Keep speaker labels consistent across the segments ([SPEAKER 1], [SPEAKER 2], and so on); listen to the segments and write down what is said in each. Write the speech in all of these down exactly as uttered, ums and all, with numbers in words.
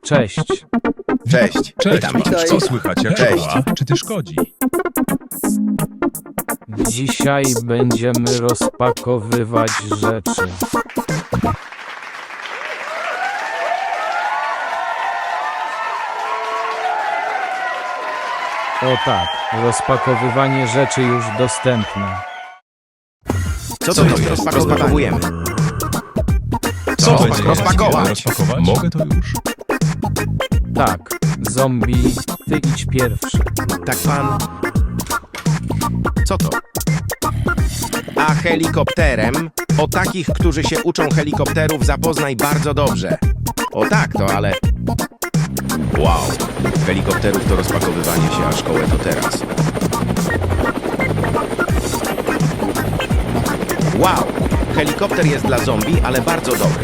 [SPEAKER 1] Cześć.
[SPEAKER 2] Cześć.
[SPEAKER 3] Cześć,
[SPEAKER 2] Witam.
[SPEAKER 3] Max. Co słychać? Jak
[SPEAKER 2] Cześć.
[SPEAKER 3] szkoła? Czy ty szkodzi?
[SPEAKER 1] Dzisiaj będziemy rozpakowywać rzeczy. O tak, rozpakowywanie rzeczy już dostępne.
[SPEAKER 2] Co to jest? Rozpakowujemy.
[SPEAKER 3] Co
[SPEAKER 2] Co?
[SPEAKER 3] będzie?
[SPEAKER 2] Rozpakować.
[SPEAKER 3] Rozpakować? Mogę to już.
[SPEAKER 1] Tak, zombie, ty idź pierwszy.
[SPEAKER 2] Tak pan. Co to? A helikopterem? O takich, którzy się uczą helikopterów, zapoznaj bardzo dobrze. O tak, to ale... Wow. Helikopterów to rozpakowywanie się, a szkołę to teraz. Wow. Helikopter jest dla zombie, ale bardzo dobry.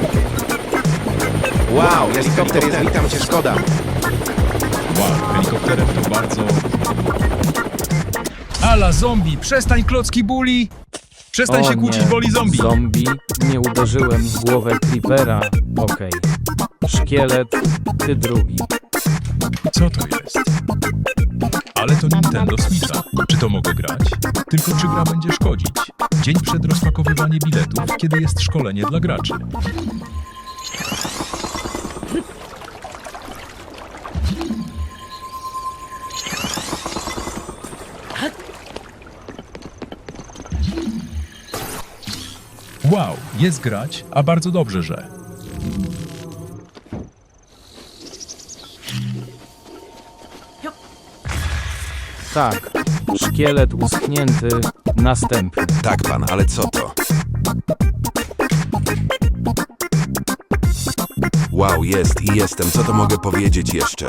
[SPEAKER 2] Wow, helikopter jest... Witam cię, szkoda.
[SPEAKER 3] Wow, helikopterem to bardzo... Ala, zombie! Przestań klocki buli! Przestań
[SPEAKER 1] O
[SPEAKER 3] się kłócić,
[SPEAKER 1] nie,
[SPEAKER 3] boli zombie!
[SPEAKER 1] Zombie, nie uderzyłem w głowę Creepera. Okej. Szkielet, ty drugi.
[SPEAKER 3] Co to jest? Ale to Nintendo Switcha. Czy to mogę grać? Tylko czy gra będzie szkodzić? Dzień przed rozpakowywaniem biletów, kiedy jest szkolenie dla graczy. Wow, jest grać, a bardzo dobrze, że...
[SPEAKER 1] Tak, szkielet uschnięty, następny.
[SPEAKER 4] Tak, pan, ale co to? Wow, jest i jestem. Co to mogę powiedzieć jeszcze?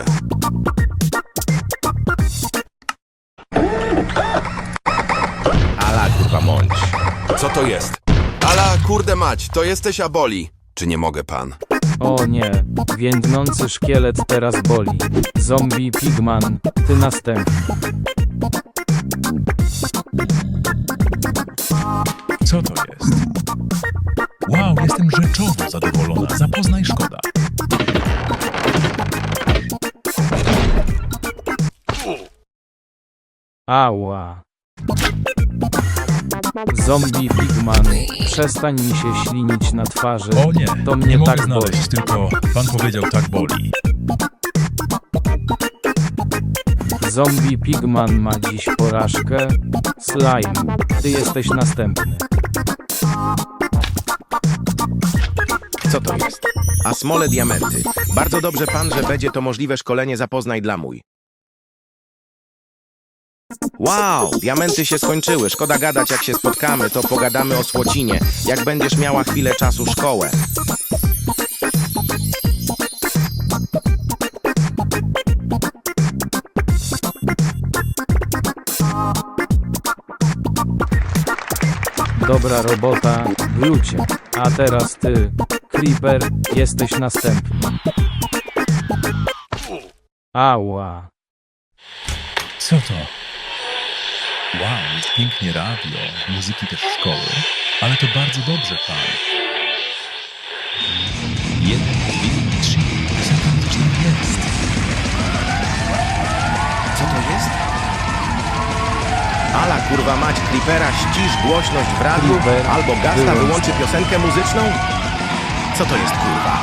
[SPEAKER 2] Ala, kurwa, mądź.
[SPEAKER 4] Co to jest? Ala, kurde mać, to jesteś Aboli. Czy nie mogę, pan?
[SPEAKER 1] O nie, więdnący szkielet teraz boli. Zombie Pigman, ty następny.
[SPEAKER 3] Co to jest? Wow, jestem rzeczowo zadowolona. Zapoznaj szkoda.
[SPEAKER 1] Ała. Zombie Pigman, przestań mi się ślinić na twarzy.
[SPEAKER 3] O nie,
[SPEAKER 1] to mnie
[SPEAKER 3] nie mogę
[SPEAKER 1] tak boli.
[SPEAKER 3] znaleźć, tylko pan powiedział tak boli.
[SPEAKER 1] Zombie Pigman ma dziś porażkę. Slime, ty jesteś następny.
[SPEAKER 2] Co to jest? A smole diamenty. Bardzo dobrze pan, że będzie to możliwe szkolenie zapoznaj dla mój. Wow, diamenty się skończyły. Szkoda gadać, jak się spotkamy, to pogadamy o Słocinie. Jak będziesz miała chwilę czasu szkołę.
[SPEAKER 1] Dobra robota, Glucie. A teraz ty, Creeper, jesteś następny. Ała.
[SPEAKER 3] Co to? Wow, jest pięknie radio, muzyki też szkoły, ale to bardzo dobrze, pan. Jeden, dwie, trzy, piosenka muzyczna jest.
[SPEAKER 2] Co to jest? Ala, kurwa mać, Creepera, ścisz głośność w radiu,
[SPEAKER 1] Creeper,
[SPEAKER 2] albo Gasta
[SPEAKER 1] wyłącz
[SPEAKER 2] wyłączy
[SPEAKER 1] to.
[SPEAKER 2] piosenkę muzyczną? Co to jest, kurwa?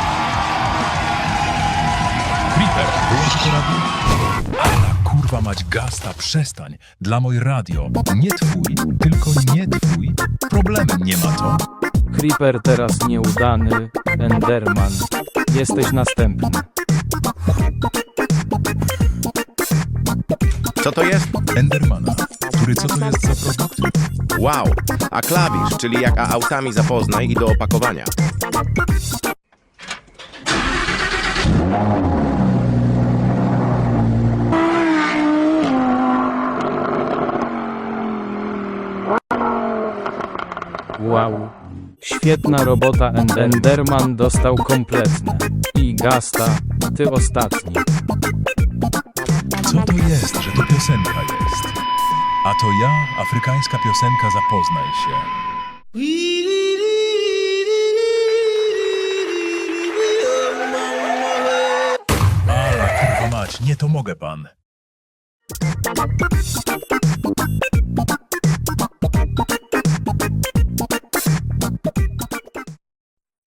[SPEAKER 3] Creeper, wyłącz to radio. Ala, kurwa mać, Gasta, przestań. Dla moj radio. Nie twój, tylko nie twój. Problemem nie ma to.
[SPEAKER 1] Creeper teraz nieudany. Enderman, jesteś następny.
[SPEAKER 2] Co to jest?
[SPEAKER 3] Endermana, który co to jest za produkt?
[SPEAKER 2] Wow, a klawisz, czyli jak a autami zapoznaj i do opakowania.
[SPEAKER 1] Wow. Świetna robota, Ender- Enderman dostał kompletne. I Gasta, ty ostatni.
[SPEAKER 3] Co to jest, że to piosenka jest? A to ja, afrykańska piosenka Zapoznaj się. Nie, to mogę pan.